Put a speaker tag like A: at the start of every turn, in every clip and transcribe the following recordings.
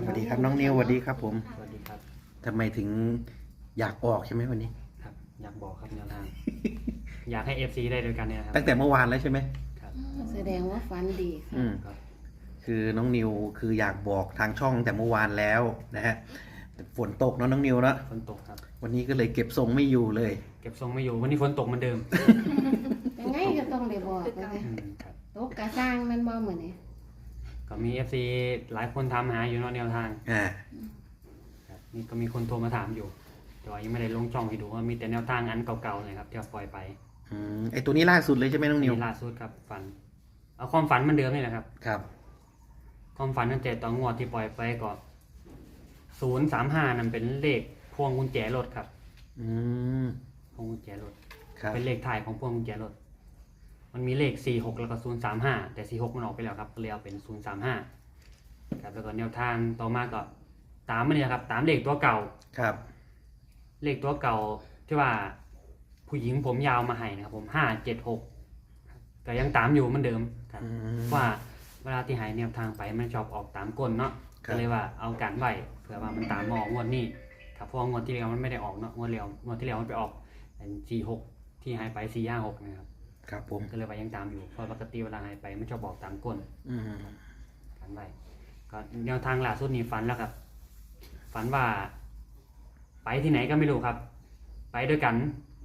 A: สวัสดีครับน้องนิวสวัสดีครับผม
B: สวัสดีครับ
A: ทำไมถึงอยากออกใช่ไหมวันนี้
B: ครับอยากบอกครับแนวทาง อยากให้ FC ได้ด้วยกันเนี่ยนะครับ
A: ตั้งแต่เมื่อวานแล้วใช่ไหม
B: ครับ
C: แสดงว่าฟันดีค่ะ
A: อืม
B: ครับ
A: คือน้องนิวคืออยากบอกทางช่องแต่เมื่อวานแล้วนะฮะแต่ฝนตกเนาะน้องนิวเนาะ
B: ฝนตกครับ
A: วันนี้ก็เลยเก็บทรงไม่อยู่เลย
B: เก็บทรงไม่อยู่วันนี้ฝนตกเหมือนเดิม
C: ยังไงก็ต้องได้บอกเลย
B: ครับ
C: ตกกระสร้างมันบ่เหมือนนี่
B: ก็มี FC หลายคนถามหาอยู่เนาะแนวทาง ครับนี่ก็มีคนโทรมาถามอยู่ แต่ว่ายังไม่ได้ลงช่องให้ดูว่ามีแต่แนวทางอันเก่าๆเลยครับที่เราปล่อยไป
A: ไอตัวนี้ล่าสุดเลยใช่ไหมน้องนิว
B: นี่ล่าสุดครับฝัน เอาความฝันเหมันเดิมนี่แหละครับ
A: ครับ
B: ความฝันตั้งแต่ตอนงวดที่ปล่อยไปก็035นั่นเป็นเลขพวงกุญแจรถครับ
A: อืม
B: พวงกุญแจรถ
A: ครับ
B: เป็นเลขถ่ายของพวงกุญแจรถ มันมีเลข 46 แล้วก็ 035 แต่ 46 มันออกไปแล้วครับก็เลยเอาเป็น 035 ครับ แล้วก็แนวทางต่อมาก็ตามมันเนี่ยครับ ตามเลขตัวเก่า
A: ครับ
B: เลขตัวเก่าที่ว่าผู้หญิงผมยาวมาให้นะครับผม576ก็ยังตามอยู่เหมือนเดิมครับ
A: อืม
B: ว่าเวลาที่หายแนวทางไปมันชอบออกตามก้นเนาะ
A: ครับ
B: ก็เลยว่าเอาการไว้เผื่อว่ามันตามมาออกงวดนี้ครับเพราะว่างวดที่แล้วมันไม่ได้ออกเนาะงวดที่แล้วมันไปออกเป็น46ที่หายไป456นะครับ
A: ครับผม
B: ก็เลยว่ายังตามอยู่เพราะปกติเวลาหายไปมันชอบบอกตามก้น
A: อืม
B: กันไว้ก็แนวทางล่าสุดนี้ฝันแล้วครับ ฝันว่า ไปที่ไหนก็ไม่รู้ครับ ไปด้วยกัน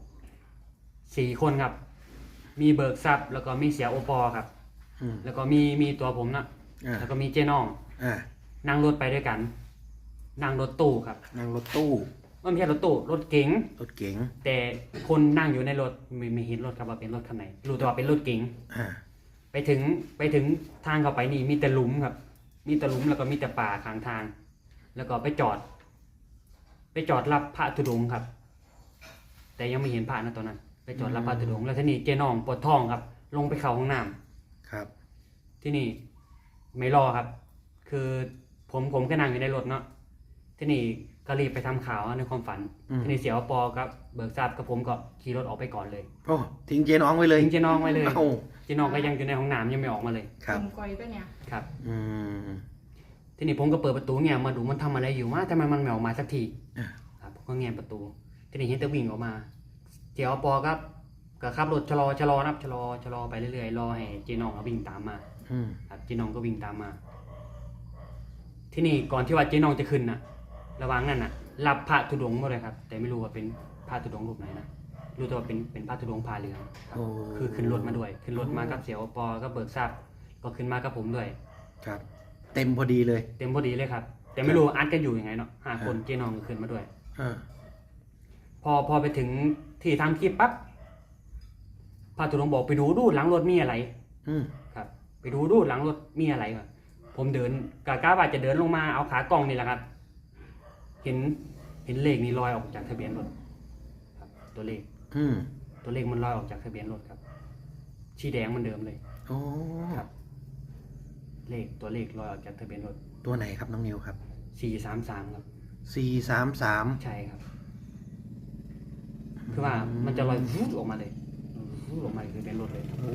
B: 4 คนครับ มีเบิกทรัพย์แล้วก็มีเสียโอปอครับ
A: อืม
B: แล้วก็มีตัวผมนะ
A: อ่า
B: แล้วก็มีเจ๊น้อง
A: อ่า
B: นั่งรถไปด้วยกัน นั่งรถตู้ครับ
A: นั่งรถตู้
B: ไม่ใช่รถตู้รถเก๋ง
A: รถเก๋ง
B: แต่คนนั่งอยู่ในรถไม่เห็นรถครับว่าเป็นรถคันไหนรู้แต่ว่าเป็นรถเก๋ง
A: อ่า
B: ไปถึงทางเข้าไปนี่มีแต่หลุมครับ มีแต่หลุมแล้วก็มีแต่ป่าข้างทาง แล้วก็ไปจอดรับพระธุดงค์ครับ แต่ยังไม่เห็นพระนะตอนนั้น ไปจอดรับพระธุดงค์แล้วทีนี้เจ๊น้องปวดท้องครับ ลงไปเข้าห้องน้ำ
A: ครับ
B: ที่นี่ไม่รอครับ คือผมก็นั่งอยู่ในรถเนาะที่นี่ก็รีบไปทำข่าวในความฝัน ที่นี่เสียวปอครับเบิกทราบกับผมก็ขี่รถออกไปก่อนเลย
A: โอ้ทิ้งเจน้องไว้เลย
B: ทิ้งเจ๊น้องไว้เลย
A: เอ้า
B: เจ๊น้องก็ยังอยู่ในห้องน้ำยังไม่ออกมาเลย
A: ครับ
D: ผมกอยปะเนี่ย
B: ครับ
A: อืม
B: ทีนี้ผมก็เปิดประตูเนี่ยมาดูมันทำอะไรอยู่ว่าทำไมมันไม่ออกมาสักที
A: อ่า
B: ครับผมก็แงนประตู ทีนี้เห็นแต่วิ่งออกมาเสียวปอครับก็ขับรถชะลอนับชะลอไปเรื่อยๆรอให้เจ๊น้องวิ่งตามมา
A: อืม
B: ครับเจ๊น้องก็วิ่งตามมา ที่นี่ก่อนที่ว่าเจ๊น้องจะขึ้นนะระหว่างนั้นน่ะ รับพระธุดงค์มาเลยครับ แต่ไม่รู้ว่าเป็นพระธุดงค์รูปไหนนะรู้แต่ว่าเป็นพระธุดงค์พาเรืองครับ
A: โอ้
B: คือขึ้นรถมาด้วย ขึ้นรถมากับเสียวปอก็เบิกทราบก็ขึ้นมากับผมด้วย
A: ครับ เต็มพอดีเลย
B: เต็มพอดีเลยครับ แต่ไม่รู้อัดกันอยู่ยังไงเนาะ5 คนเจ๊น้องก็ขึ้นมาด้วย
A: อ่า
B: พอไปถึงที่ทำคลิปปั๊บพระธุดงค์บอกไปดูหลังรถมีอะไร
A: อืม
B: ครับ ไปดูหลังรถมีอะไรวะผมเดินกะว่าจะเดินลงมาเอาขากล้องนี่แหละครับ เห็นเลขนี่ลอยออกจากทะเบียนรถครับ ตัวเลข
A: อืม
B: ตัวเลขมันลอยออกจากทะเบียนรถครับชีแดงเหมันเดิมเลย
A: โอ้
B: ครับ ตัวเลขลอยออกจากทะเบียนรถ
A: ตัวไหนครับน้องนิวครับ
B: 433ครับ
A: 433
B: ใช่ครับ คือว่ามันจะลอยวุ้ออกมาเลยวุ้ออกมาคือเป็นรถเลย
A: โอ้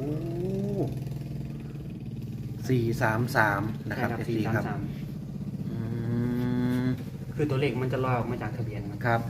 A: 433นะครับ
B: ใช่
A: พี่ครับ
B: 433
A: อืม
B: คือตัวเลขมันจะลอยออกมาจากทะเบียนครับ
A: ครับ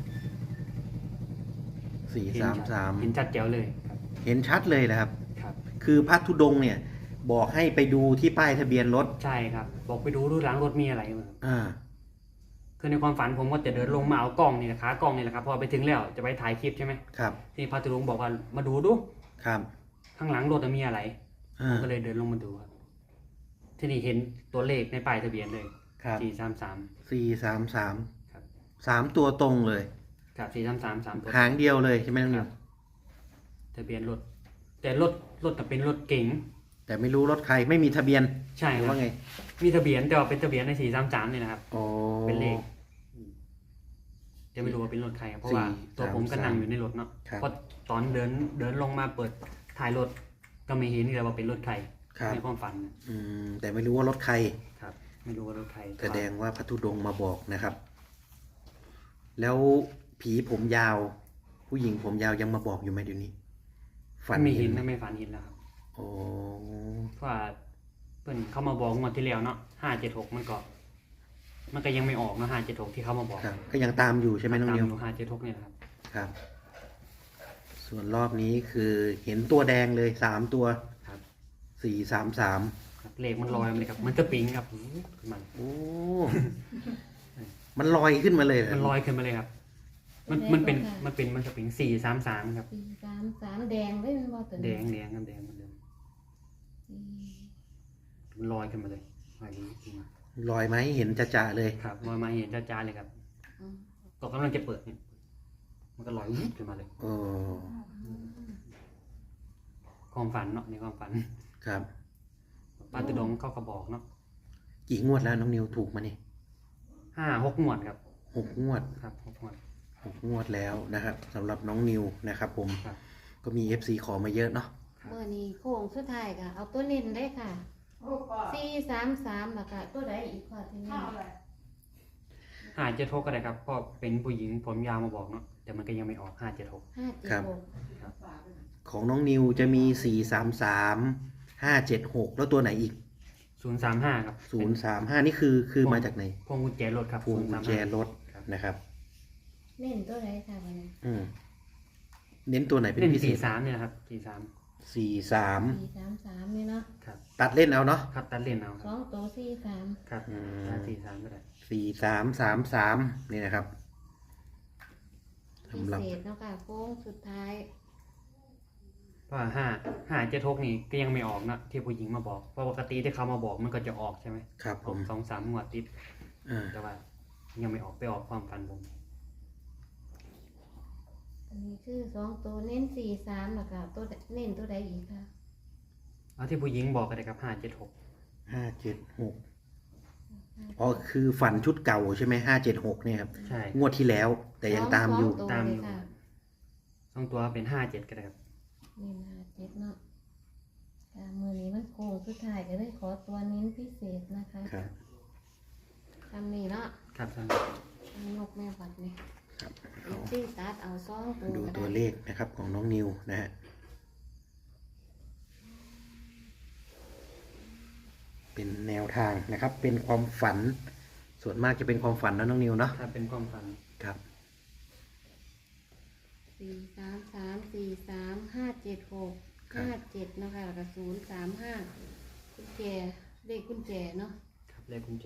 B: เห็น
A: 433
B: ชัดแจ๋วเลยครับ
A: เห็นชัดเลยนะครับ
B: ครับ
A: คือพระธุดงค์เนี่ย บอกให้ไปดูที่ป้ายทะเบียนรถ
B: ใช่ครับ บอกไปดูหลังรถมีอะไรมา
A: อ่า
B: คือในความฝันผมก็จะเดินลงมาเอากล้องนี่แหละขากล้องนี่แหละครับพอไปถึงแล้วจะไปถ่ายคลิปใช่ไหม
A: ครับ
B: ที่พระตุลงบอกว่ามาดู
A: ครับ
B: ข้างหลังรถมีอะไรผ
A: อ่าม
B: ก็เลยเดินลงมาดูครับที่นี่เห็นตัวเลขในป้ายทะเบียนเลย
A: ครับ
B: 433
A: 433
B: ครับ
A: 3 ตัวตรงเลย
B: ครับ433 3ตัว
A: หางเดียวเลยใช่ไหมน้องนิว
B: ทะเบียนรถ แต่รถแต่เป็นรถเก๋ง
A: แต่ไม่รู้รถใครไม่มีทะเบียน
B: ใช่
A: หรือ
B: ครับ
A: ว่าไง
B: มีทะเบียนแต่ว่าเป็นทะเบียนใน433นี่นะครับ
A: โอ้
B: เป็นเลขจะไม่รู้ว่าเป็นรถใครครับเพราะว่าตัวผมก็นั่งอยู่ในรถเนาะ
A: ครับ
B: เพราะตอนเดินลงมาเปิดถ่ายรถก็ไม่เห็นเลยว่าเป็นรถใคร
A: ครับ
B: ในความฝันนะ
A: อืมแต่ไม่รู้ว่ารถใคร
B: ครับ ไม่รู้ว่ารถใคร
A: แสดงว่าพระธุดงค์มาบอกนะครับ แล้วผีผมยาว ผู้หญิงผมยาวยังมาบอกอยู่ไหมเดี๋ยวนี้ ฝัน
B: ไม่เห็น
A: ไหม
B: ไม่ฝันเห็นแล้วครับ
A: โอ้
B: เพราะว่าเพิ่นเข้ามาบอกงวดที่แล้วเนาะ576มันก็มันก็ยังไม่ออกเนาะ576ที่เขามาบอก
A: ครับ ก็ยังตามอยู่ใช่ไหมน้อง
B: ตาม
A: นิว
B: อยู่576เนี่ยนะครับ
A: ครับ ส่วนรอบนี้คือเห็นตัวแดงเลย3 ตัว
B: ครับ
A: 433
B: ครับเลขมันลอยมาเลยครับมันก็ปิ๊งครับขึ้นมา
A: โอ้ มันลอยขึ้นมาเลยเหร
B: มันลอยขึ้นมาเลยครับ มันจะปิ๊ง433ครับ
C: 433แดงเลยมันบ่ตัว
B: แด
C: นี้
B: งครับแดงเหมือนเดิมมันลอยขึ้นมาเลยลอยขึ้นมา
A: ลอยมาให้เห็นจะๆเลย
B: ครับลอยมาเห็นจ้าๆเลยครับ
C: อืม
B: ก็กำลังจะเปิดเนี่ยมันก็ลอยวุบขึ้นมาเลย
A: โอ้
B: ความฝันเนาะในความฝัน
A: ครับ
B: ป้าตุดงเขาก็บอกเนาะ
A: กี่งวดแล้วน้องนิวถูกมานี่
B: 5-6 งวดครับ
A: 6 งวด
B: ครับ6 งวด
A: 6 งวดแล้วนะครับสำหรับน้องนิวนะครับผม
B: ครับ
A: ก็มี FC ขอมาเยอะเนาะ
C: เมื่อนี้โค้งสุดท้ายค่ะ เอาตัวเน้นได้ค่ะ433แล้วก็ตัวใดอีกค่ะที่นี่
B: 576ก็ได้ครับเพราะเป็นผู้หญิงผมยาวมาบอกเนาะแต่มันก็ยังไม่ออก576
C: 576
A: ของน้องนิวจะมี 433 576 แล้วตัวไหนอีก
B: 035ครับ
A: 035 นี่คือมาจากไหน
B: พวงกุญแจรถครับ
A: พวงกุญแจรถ
B: ครับ
A: นะครับ
C: เน้นตัวใดค่ะวันนี้
A: อืมเน้นตัวไหนเป็น
B: เล่น
A: พิเศษ
B: 43เนี่ยนะครับ43
A: 43
C: 433นี่เนาะ
B: ครับ
A: ตัดเล่นเอาเนาะ
B: ครับตัดเล่นเอาครับ
C: 2ตัว43
B: ครับ
A: อืม
B: ตัด43ก็ได้
A: 4333นี่นะครับ
C: พิ
A: สำหรับ
C: เศษเนาะค่ะโค้งสุดท้าย
B: เพราะว่า576นี่ก็ยังไม่ออกนะที่ผู้หญิงมาบอกเพราะปกติที่เขามาบอกมันก็จะออกใช่ไหม
A: ครับผม
B: 2-3 งวดติด
A: อ่า
B: แต่ว่ายังไม่ออกไปออกความฝันผม
C: อันนี้คือ2ตัวเน้น43แล้วก็ตัวเน้นตัวใดอีกค่ะ
B: เอาที่ผู้หญิงบอกก็ได้ครับ576
A: 576อ๋อคือฝันชุดเก่าใช่ไหม576เนี่ยครับ
B: ใช่
A: งวดที่แล้ว แต่ยังตามอยู่
C: สงตัว
B: ตาม
C: เล
B: อยู่
C: ค่ะ
B: 2 ตัวเป็น57ก็ได้ครับ
C: นี่57เนาะมือนี้มันโค้งสุดท้ายก็เลยขอตัวเน้นพิเศษนะคะ
A: ครับ
C: ทำนี่เนาะ
B: ครับท่าน
C: นกแม่บัดนี่
A: ครับ
C: อีกที่ตัดเอา2ตัว
A: ดู
C: ก็
A: ตัว
C: ได้
A: เลขนะครับของน้องนิวนะฮะ เป็นแนวทางนะครับ เป็นความฝัน ส่วนมากจะเป็นความฝันนะน้องนิวเนาะ
B: ถ้าเป็นความฝัน
A: ครับ
C: 433 43576 57เนาะค่ะแล้วก็035กุญแจเลขกุญแจเนาะ
B: ครับเลขกุญแจ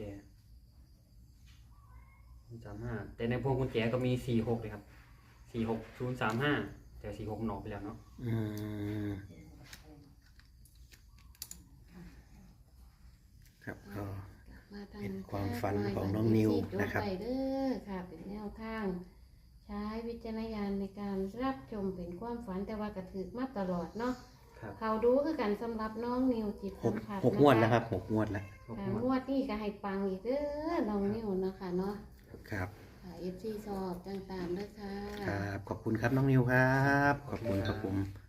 B: 35แต่ในพวงกุญแจก็มี46เลยครับ46035แต่46หนออกไปแล้วเนาะ
A: อืมครับก็
C: มาทาง
A: เป็นความฝันของน้องนิวนะครับ
C: ไปเด้อค่ะเป็นแนวทาง ใช้วิจารณญาณในการรับชมเป็นความฝันแต่ว่ากระถือมาตลอดเนาะ
B: ครับ
C: เขาดูคือกันสำหรับน้องนิวจิต
A: ห
C: สั
A: ก
C: มผัส
A: หกงวดแล้วครับ6 งวดแล้ว
C: ค่ะงวดนี้ก็ให้ปังอีกเด้อน้องนิวเนาะค่ะเนาะ
A: ครับ
C: ค่ะ FC สอบต่างๆเด้อค่ะ
A: ครับ ขอบคุณครับน้องนิวครับ ขอบคุณครับผม